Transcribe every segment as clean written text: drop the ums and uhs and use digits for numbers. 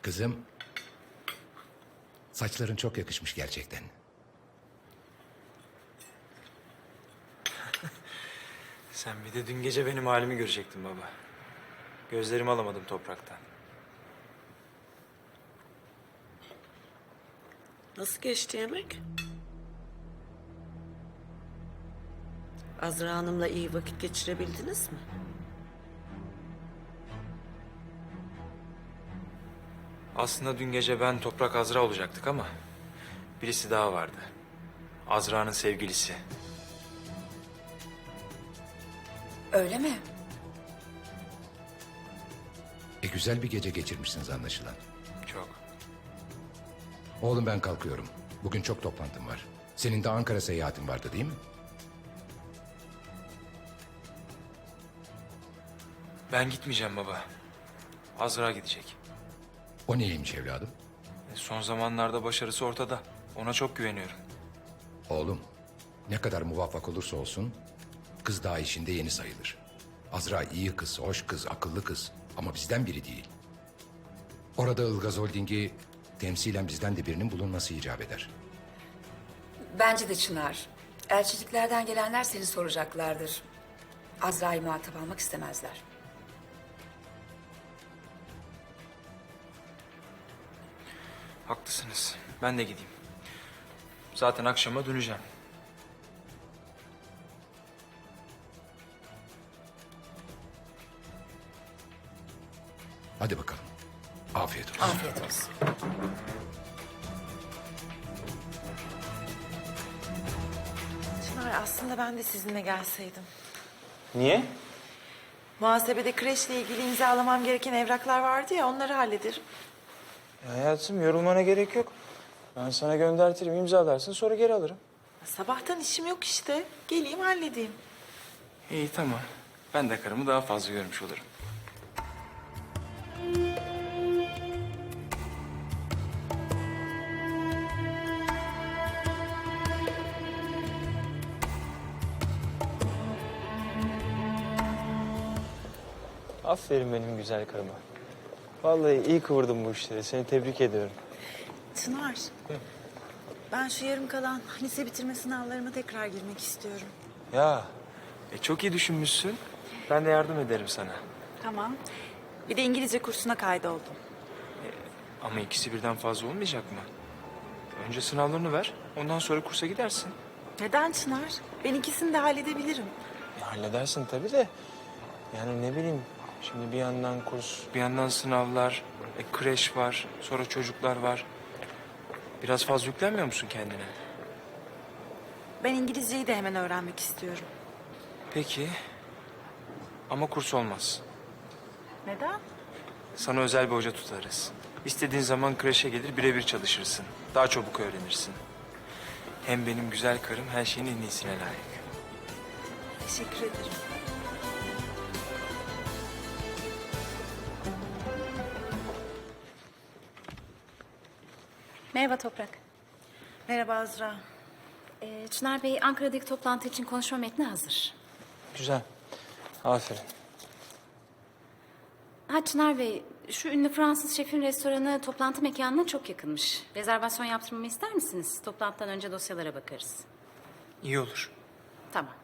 Kızım, saçların çok yakışmış gerçekten. Sen bir de dün gece benim halimi görecektin baba. Gözlerimi alamadım topraktan. Nasıl geçti yemek? Azra Hanım'la iyi vakit geçirebildiniz mi? Aslında dün gece ben Toprak Azra olacaktık ama birisi daha vardı. Azra'nın sevgilisi. Öyle mi? Güzel bir gece geçirmişsiniz anlaşılan. Çok. Oğlum ben kalkıyorum. Bugün çok toplantım var. Senin de Ankara seyahatin vardı değil mi? Ben gitmeyeceğim baba. Azra gidecek. O neymiş evladım? Son zamanlarda başarısı ortada. Ona çok güveniyorum. Oğlum, ne kadar muvaffak olursa olsun kız daha işinde yeni sayılır. Azra iyi kız, hoş kız, akıllı kız ama bizden biri değil. Orada Ilgaz Holding'i temsilen bizden de birinin bulunması icap eder. Bence de Çınar. Elçiliklerden gelenler seni soracaklardır. Azra'yı muhatap almak istemezler. Haklısınız. Ben de gideyim. Zaten akşama döneceğim. Hadi bakalım. Afiyet olsun. Afiyet olsun. Çınar, aslında ben de sizinle gelseydim. Niye? Muhasebede kreşle ilgili imzalamam gereken evraklar vardı ya, onları hallederim. Hayatım yorulmana gerek yok. Ben sana göndertirim, imzalarsın sonra geri alırım. Sabahtan işim yok işte. Geleyim halledeyim. İyi tamam. Ben de karımı daha fazla görmüş olurum. Aferin benim güzel karıma. Vallahi iyi kıvırdın bu işleri. Seni tebrik ediyorum. Çınar, ben şu yarım kalan lise bitirme sınavlarıma tekrar girmek istiyorum. Ya, çok iyi düşünmüşsün. Ben de yardım ederim sana. Tamam. Bir de İngilizce kursuna kaydoldum. Ama ikisi birden fazla olmayacak mı? Önce sınavlarını ver, ondan sonra kursa gidersin. Neden Çınar? Ben ikisini de halledebilirim. Halledersin tabii de. Yani ne bileyim, şimdi bir yandan kurs, bir yandan sınavlar, kreş var, sonra çocuklar var. Biraz fazla yüklenmiyor musun kendine? Ben İngilizceyi de hemen öğrenmek istiyorum. Peki. Ama kurs olmaz. Neden? Sana özel bir hoca tutarız. İstediğin zaman kreşe gelir birebir çalışırsın. Daha çabuk öğrenirsin. Hem benim güzel karım her şeyin en iyisine layık. Teşekkür ederim. Merhaba Toprak. Merhaba Azra. Çınar Bey, Ankara'daki toplantı için konuşma metni hazır. Güzel. Aferin. Çınar Bey, şu ünlü Fransız şefin restoranı toplantı mekanına çok yakınmış. Rezervasyon yaptırmamı ister misiniz? Toplantıdan önce dosyalara bakarız. İyi olur. Tamam.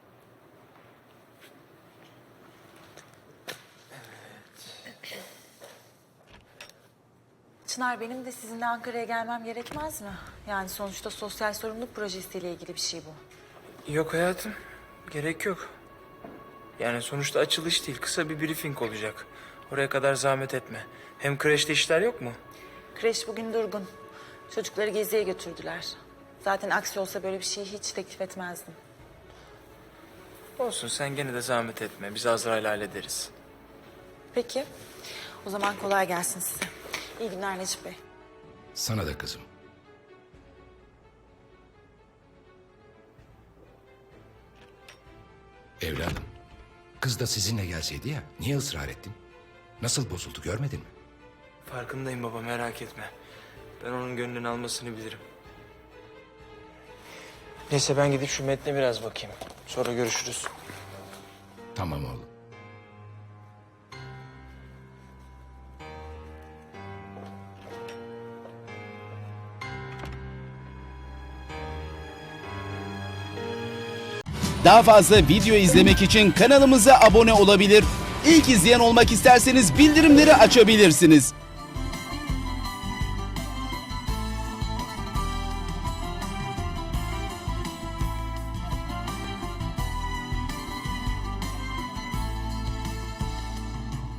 Çınar, benim de sizinle Ankara'ya gelmem gerekmez mi? Yani sonuçta sosyal sorumluluk projesiyle ilgili bir şey bu. Yok hayatım. Gerek yok. Yani sonuçta açılış değil. Kısa bir briefing olacak. Oraya kadar zahmet etme. Hem kreşte işler yok mu? Kreş bugün durgun. Çocukları geziye götürdüler. Zaten aksi olsa böyle bir şeyi hiç teklif etmezdim. Olsun sen gene de zahmet etme. Biz Azra'yla hallederiz. Peki. O zaman kolay gelsin size. İyi günler Necip Bey. Sana da kızım. Evladım, kız da sizinle gelseydi ya, niye ısrar ettin? Nasıl bozuldu görmedin mi? Farkındayım baba merak etme. Ben onun gönlünü almasını bilirim. Neyse ben gidip şu metne biraz bakayım. Sonra görüşürüz. Tamam oğlum. Daha fazla video izlemek için kanalımıza abone olabilir. İlk izleyen olmak isterseniz bildirimleri açabilirsiniz.